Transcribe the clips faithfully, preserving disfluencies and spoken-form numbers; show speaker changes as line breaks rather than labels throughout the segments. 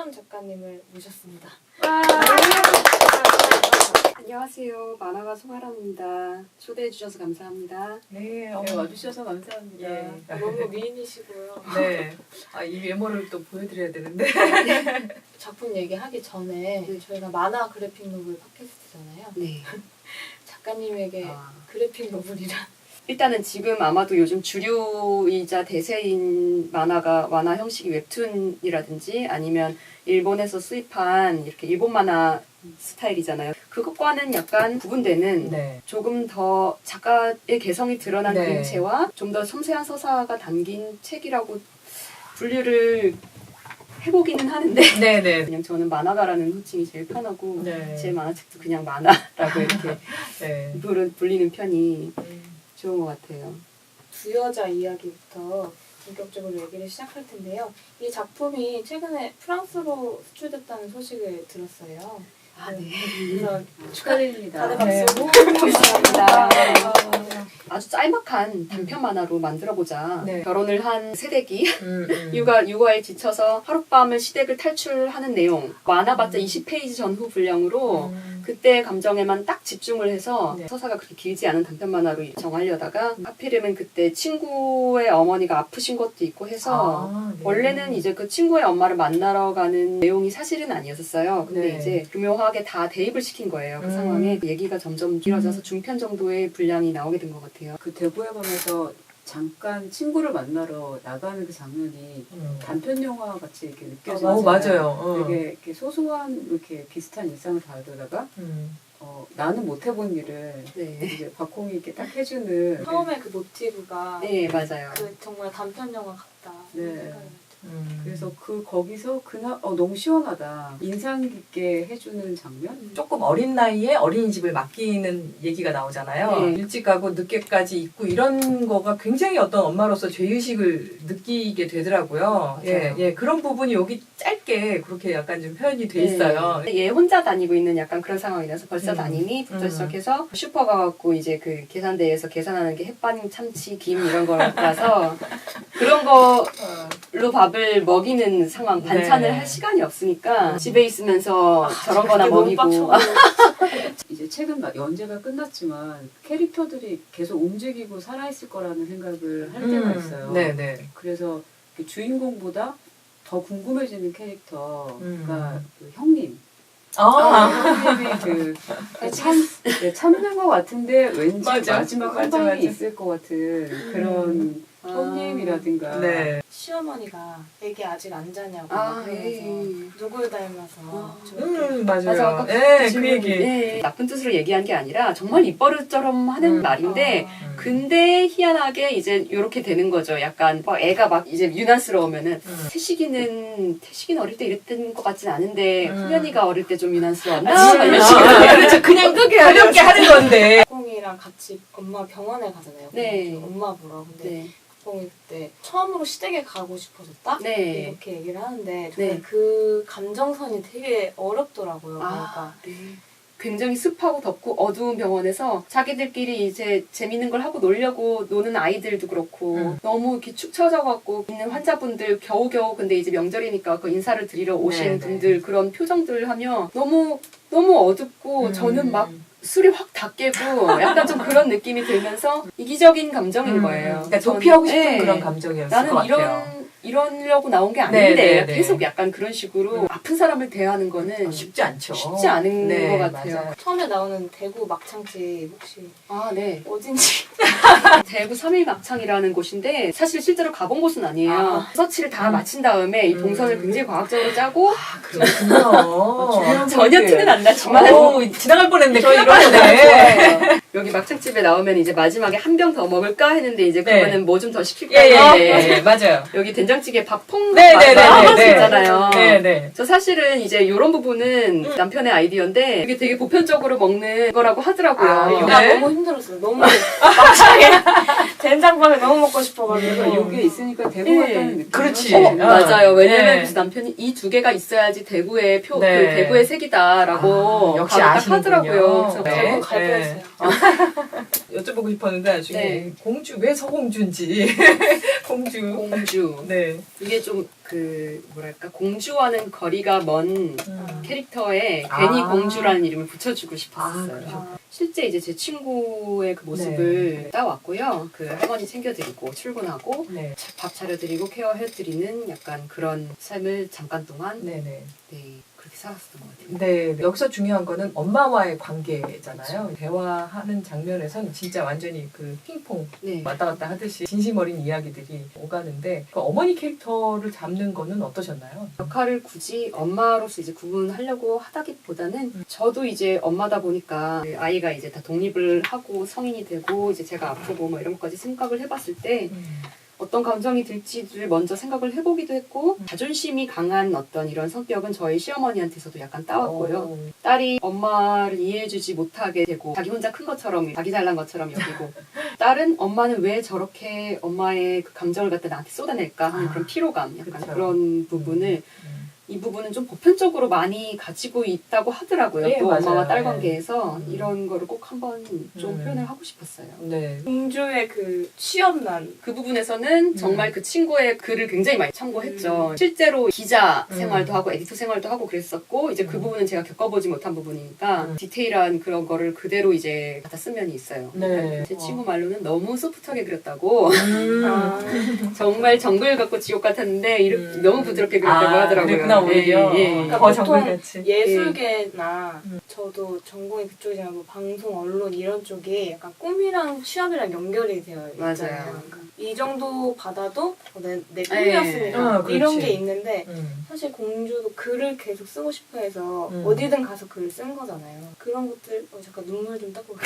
최수연 작가님을 모셨습니다.
안녕하세요. 만화가 송아람입니다. 초대해 주셔서 감사합니다.
네,
네, 와주셔서 감사합니다.
예.
너무 미인이시고요.
네. 아, 이 외모를 또 보여드려야 되는데.
작품 얘기하기 전에
네.
저희가 만화 그래픽 노블 팟캐스트잖아요.
네.
작가님에게
아.
그래픽 노블이란
일단은 지금 아마도 요즘 주류이자 대세인 만화가 만화 형식이 웹툰이라든지 아니면 일본에서 수입한 이렇게 일본 만화 스타일이잖아요. 그것과는 약간 구분되는
네.
조금 더 작가의 개성이 드러난
네.
그림체와 좀 더 섬세한 서사가 담긴 책이라고 분류를 해보기는 하는데
네네.
그냥 저는 만화가라는 호칭이 제일 편하고
네.
제 만화책도 그냥 만화라고 이렇게
네.
부르- 불리는 편이 좋은 것 같아요.
두 여자 이야기부터 본격적으로 얘기를 시작할 텐데요. 이 작품이 최근에 프랑스로 수출됐다는 소식을 들었어요.
아, 네.
그래서
축하드립니다.
다들 박수.
네.
감사합니다. 아주 짤막한 단편 만화로 만들어보자.
네.
결혼을 한 새댁이
음, 음.
육아, 육아에 지쳐서 하룻밤을 시댁을 탈출하는 내용. 만화봤자 이십 페이지 전후 분량으로
음.
그때 감정에만 딱 집중을 해서
네.
서사가 그렇게 길지 않은 단편 만화로 정하려다가 하필이면 그때 친구의 어머니가 아프신 것도 있고 해서
아, 네.
원래는 이제 그 친구의 엄마를 만나러 가는 내용이 사실은 아니었었어요. 근데
네.
이제 교묘하게 다 대입을 시킨 거예요. 그
음.
상황에 얘기가 점점 길어져서 중편 정도의 분량이 나오게 된 것 같아요.
그 대구의 밤에서 잠깐 친구를 만나러 나가는 그 장면이
음.
단편 영화 같이 이렇게 느껴져요.
어, 맞아요. 어.
되게 이렇게 소소한 이렇게 비슷한 일상을 다루다가
음.
어, 나는 못 해본 일을
네,
이제 박홍이 이렇게 딱 해주는
처음에 그 모티브가
네 맞아요.
그 정말 단편 영화 같다.
네.
생각이 들었죠.
음.
그래서 그 거기서 그날 어 너무 시원하다 인상 깊게 해주는 장면.
조금 어린 나이에 어린이집을 맡기는 얘기가 나오잖아요.
네.
일찍 가고 늦게까지 있고 이런 거가 굉장히 어떤 엄마로서 죄의식을 느끼게 되더라고요. 예,
맞아요.
예, 그런 부분이 여기 짧게 그렇게 약간 좀 표현이 돼 있어요.
네. 얘 혼자 다니고 있는 약간 그런 상황이라서 벌써
음.
다니니부터
음.
시작해서 슈퍼 가갖고 이제 그 계산대에서 계산하는 게 햇반, 참치, 김 이런 거라서 그런 걸로 밥을 먹이는 상황, 반찬을
네.
할 시간이 없으니까 집에 있으면서 저런 거나
그게 너무
먹이고
빡쳐가지고.
이제 최근 막 연재가 끝났지만 캐릭터들이 계속 움직이고 살아있을 거라는 생각을 할 때가 있어요.
네, 네.
그래서 그 주인공보다 더 궁금해지는 캐릭터가
음.
그 형님.
아,
형님이 그 참, 네, 참는 것 같은데 왠지
맞아.
마지막
맞아,
한 방이
맞아.
있을 것 같은 그런
아.
형님이라든가
네.
시어머니가 애기 아직 안 자냐고
아,
그러면서
예.
누굴 닮아서
아.
저렇게
음, 맞아요.
맞아, 아까
예, 그
질문,
얘기.
예, 나쁜 뜻으로 얘기한 게 아니라 정말 입버릇처럼 하는
음.
말인데
아.
음.
근데 희한하게 이제 요렇게 되는 거죠. 약간 막 애가 막 이제 유난스러우면은
음.
태식이는 태식이는 어릴 때 이랬던 것 같진 않은데
음.
후연이가 어릴 때 좀 유난스러웠나?
아,
막 이런
아,
식으로.
그렇죠. 그냥 끄게 하렵게 하는 건데.
콩이랑 같이 엄마 병원에 가잖아요.
네.
그래서 엄마 보러. 근데
네.
콩이 그때 처음으로 시댁에 가고 싶어졌다?
네.
이렇게 얘기를 하는데 저는
네.
그 감정선이 되게 어렵더라고요.
아,
그러니까
네. 굉장히 습하고 덥고 어두운 병원에서 자기들끼리 이제 재밌는 걸 하고 놀려고 노는 아이들도 그렇고
음.
너무 이렇게 축 처져갖고 있는 환자분들 겨우겨우 근데 이제 명절이니까 그 인사를 드리러 오신
네, 네.
분들 그런 표정들을 하면 너무 너무 어둡고
음.
저는 막 술이 확 다 깨고 약간 좀 그런 느낌이 들면서 이기적인 감정인
음.
거예요.
그러니까
전-
도피하고 싶은
네.
그런 감정이었을
나는
것
이런
같아요.
이러려고 나온 게
네,
아닌데
네, 네.
계속 약간 그런 식으로
음.
아픈 사람을 대하는 거는
어, 쉽지 않죠.
쉽지 않은
네,
것 같아요.
맞아요.
처음에 나오는 대구 막창집 혹시
아, 네.
어딘지
대구 삼일 막창이라는 곳인데 사실 실제로 가본 곳은 아니에요.
아.
서치를 다
음.
마친 다음에 이
음.
동선을 굉장히 과학적으로 짜고
아, 그렇군요.
전혀 티는 안 나지만
오, 지나갈 뻔했는데
저
큰일
이런 거
났네.
좋아해요. 여기 막창집에 나오면 이제 마지막에 한 병 더 먹을까 했는데 이제
네.
그거는 뭐 좀 더 시킬까
예, 예,
했는데
예, 예, 맞아요.
여기 된장찌개 밥퐁
네, 네, 네,
맛
네, 네.
있잖아요.
네, 네.
저 사실은 이제 이런 부분은
음.
남편의 아이디어인데 이게 되게 보편적으로 먹는 거라고 하더라고요.
아,
요가
네.
너무 힘들었어요. 너무 막창에 된장밥을 너무 먹고 싶어가지고
그러니까 이게 있으니까 대구
네.
같다는 느낌.
그렇지.
어,
어.
맞아요. 왜냐면
네.
그래서 남편이 이 두 개가 있어야지 대구의 표,
네.
그 대구의 색이다라고
아, 역시
바로 딱
아시는군요.
하더라고요. 그래서
네.
대구 갈
네.
뻔했어요.
여쭤보고 싶었는데 나중에
네.
공주 왜 서공주인지 공주
공주.
네
이게 좀 그 뭐랄까 공주와는 거리가 먼
음.
캐릭터에
아.
괜히 공주라는 이름을 붙여주고 싶었어요.
아, 그러셨구나.
실제 이제 제 친구의 그 모습을
네.
따왔고요. 그 할머니 챙겨드리고 출근하고
네
밥 차려드리고 케어해드리는 약간 그런 삶을 잠깐 동안
네네
네, 그렇게 살았었던 것 같아요.
네, 여기서 중요한 거는 엄마와의 관계잖아요. 대화하는 장면에서는 진짜 완전히 그 핑퐁
네.
왔다 갔다 하듯이 진심 어린 이야기들이 오가는데 그 어머니 캐릭터를 잡는 거는 어떠셨나요?
역할을 굳이 엄마로서 이제 구분하려고 하다기보다는 저도 이제 엄마다 보니까 그 아이가 이제 다 독립을 하고 성인이 되고 이제 제가 아프고 뭐 이런 것까지 생각을 해봤을 때 어떤 감정이 들지를 먼저 생각을 해보기도 했고
음.
자존심이 강한 어떤 이런 성격은 저희 시어머니한테서도 약간 따왔고요.
오.
딸이 엄마를 이해해주지 못하게 되고 자기 혼자 큰 것처럼 자기 잘난 것처럼 여기고 딸은 엄마는 왜 저렇게 엄마의 그 감정을 갖다 나한테 쏟아낼까 하는
아,
그런 피로감 약간
그쵸.
그런 부분을
음.
이 부분은 좀 보편적으로 많이 가지고 있다고 하더라고요.
예,
또
맞아요.
엄마와 딸
예.
관계에서
음.
이런 거를 꼭 한번 좀
음.
표현을 하고 싶었어요.
네.
공주의 그 취업난.
그 부분에서는 정말 그 친구의 글을 굉장히 많이 참고했죠.
음.
실제로 기자
음.
생활도 하고 에디터 생활도 하고 그랬었고 이제 그
음.
부분은 제가 겪어보지 못한 부분이니까
음.
디테일한 그런 거를 그대로 이제 갖다 쓴 면이 있어요.
네.
제 친구 말로는 너무 소프트하게 그렸다고
음.
아,
정말 정글 같고 지옥 같았는데 이렇게
음.
너무 부드럽게 그렸다고
아,
하더라고요.
그랬구나, 오히려.
예, 예, 예.
그러니까
더
보통
정글같이.
예술계나
음.
저도 전공이 그쪽이잖아요. 뭐 방송, 언론 이런 쪽이 약간 꿈이랑 취업이랑 연결이 되어 있잖아요.
맞아요.
그러니까 이 정도 받아도 어, 내, 내
예.
꿈이었으니까
아,
이런
그렇지.
게 있는데
음.
사실 공주도 글을 계속 쓰고 싶어 해서
음.
어디든 가서 글을 쓴 거잖아요. 그런 것들 어, 잠깐 눈물 좀 닦고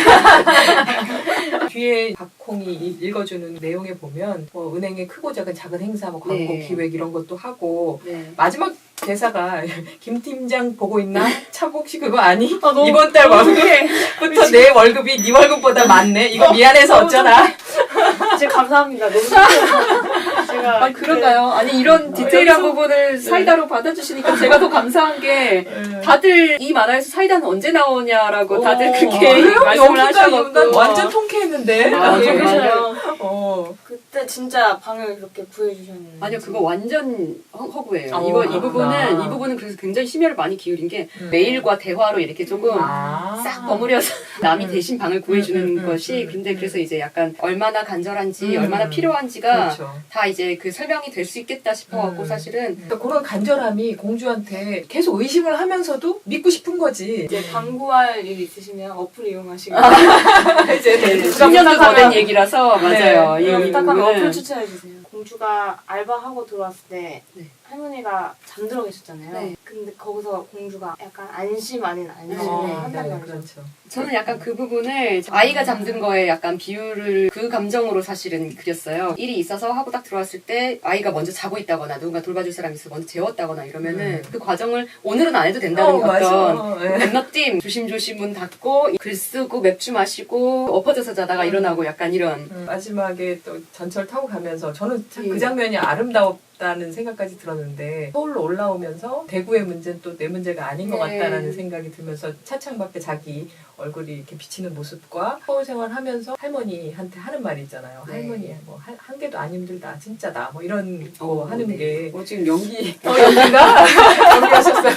뒤에 박홍이 이- 읽어주는 내용에 보면 뭐 은행의 크고 작은 작은 행사, 뭐 광고
네.
기획 이런 것도 하고
네.
마지막 대사가 김 팀장 보고 있나? 차복 씨 그거 아니?
아, 너무-
이번 달
너무
월급부터 내 월급이 네 월급보다 많네. 이거 미안해서
너무
어쩌나?
진짜 감사합니다. 너무 좋아요. 제가
아, 그런가요? 아니, 이런 디테일한
여기서-
부분을 사이다로 받아주시니까 제가 더 감사한 게
네.
다들 이 만화에서 사이다는 언제 나오냐라고 다들
어,
그렇게
그래요?
말씀을
여기까지
하셔갖고
난 완전 통쾌했는데.
아,
네,
정말요?
어.
그때 진짜 방을 그렇게 구해주셨는데
아니요, 그거 완전 허- 허구예요.
어,
이거 이
그렇구나.
부분은 이 부분은 그래서 굉장히 심혈을 많이 기울인 게
음.
메일과 대화로 이렇게 조금
아.
싹 버무려서 남이
음.
대신 방을 구해주는
음, 음, 음,
것이
음,
근데
음.
그래서 이제 약간 얼마나 간절한지
음.
얼마나 필요한지가
그렇죠.
다 이제 그 설명이 될 수 있겠다 싶어갖고
음.
사실은
그러니까 그런 간절함이 공주한테 계속 의심을 하면서도 믿고 싶은 거지.
이제 광고할 일 있으시면 어플 이용하시고
이제
네,
누가
십 년도 더
부탁하면-
된 얘기라서 맞아요.
네.
이
이거 부탁하면
부분은.
어플 추천해주세요. 공주가 알바하고 들어왔을 때
네.
할머니가 잠들어 계셨잖아요.
네.
근데 거기서 공주가 약간 안심 아닌 안심을
네,
한단
네,
말이죠.
그렇죠.
저는 약간 그 부분을 아이가 잠든 거에 약간 비유를 그 감정으로 사실은 그렸어요. 일이 있어서 하고 딱 들어왔을 때 아이가 먼저 자고 있다거나 누군가 돌봐줄 사람이 있어 먼저 재웠다거나 이러면은
음.
그 과정을 오늘은 안 해도 된다는
어,
어떤
맞아. 네.
건너뛰임 조심조심 문 닫고 글 쓰고 맥주 마시고 엎어져서 자다가
음.
일어나고 약간 이런
음, 마지막에 또 전철 타고 가면서 저는 참
예.
그 장면이 아름다웠다는 생각까지 들었는데 서울로 올라오면서 대구의 문제는 또 내 문제가 아닌 것
네.
같다라는 생각이 들면서 차창 밖에 자기 얼굴이 이렇게 비치는 모습과 서울 생활하면서 할머니한테 하는 말이 있잖아요.
네.
할머니 뭐 한, 한 개도 안 힘들다 진짜다 뭐 이런 거
어,
하는
네.
게
어, 지금 연기.
어, 여기가 연기하셨어요.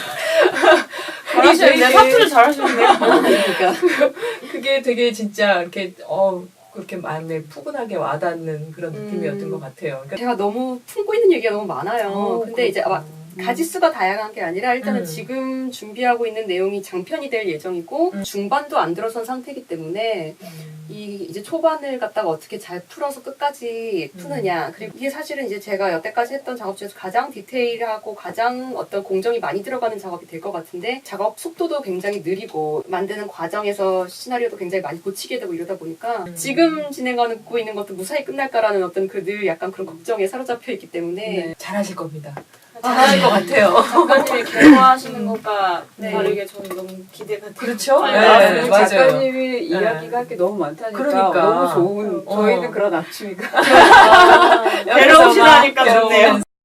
잘하시는데
되게-
사투리 잘하시는데요.
그러니까
그게 되게 진짜 이렇게 어 그렇게 마음에 푸근하게 와닿는 그런 느낌이었던
음.
것 같아요. 그러니까
제가 너무 품고 있는 얘기가 너무 많아요.
어,
근데 이제
그렇구나.
막 가지수가 다양한 게 아니라 일단은
음.
지금 준비하고 있는 내용이 장편이 될 예정이고
음.
중반도 안 들어선 상태이기 때문에
음.
이 이제 초반을 갖다가 어떻게 잘 풀어서 끝까지 푸느냐. 그리고 이게 사실은 이제 제가 여태까지 했던 작업 중에서 가장 디테일하고 가장 어떤 공정이 많이 들어가는 작업이 될 것 같은데 작업 속도도 굉장히 느리고 만드는 과정에서 시나리오도 굉장히 많이 고치게 되고 이러다 보니까
음.
지금 진행하고 있는 것도 무사히 끝날까라는 어떤 그 늘 약간 그런 걱정에 사로잡혀 있기 때문에
네, 잘하실 겁니다.
아,
잘하실 것 같아요.
작가님이 개화하시는 것과
네.
다르게 저는 너무 기대가 돼요.
그렇죠?
빨리
네,
나왔으면
맞아요.
작가님이 이야기가 할 게 너무 많다니까
그러니까.
너무 좋은
어.
저희는 그런 아침이가
아,
여기서만
데려오시라니까
여러분
좋네요.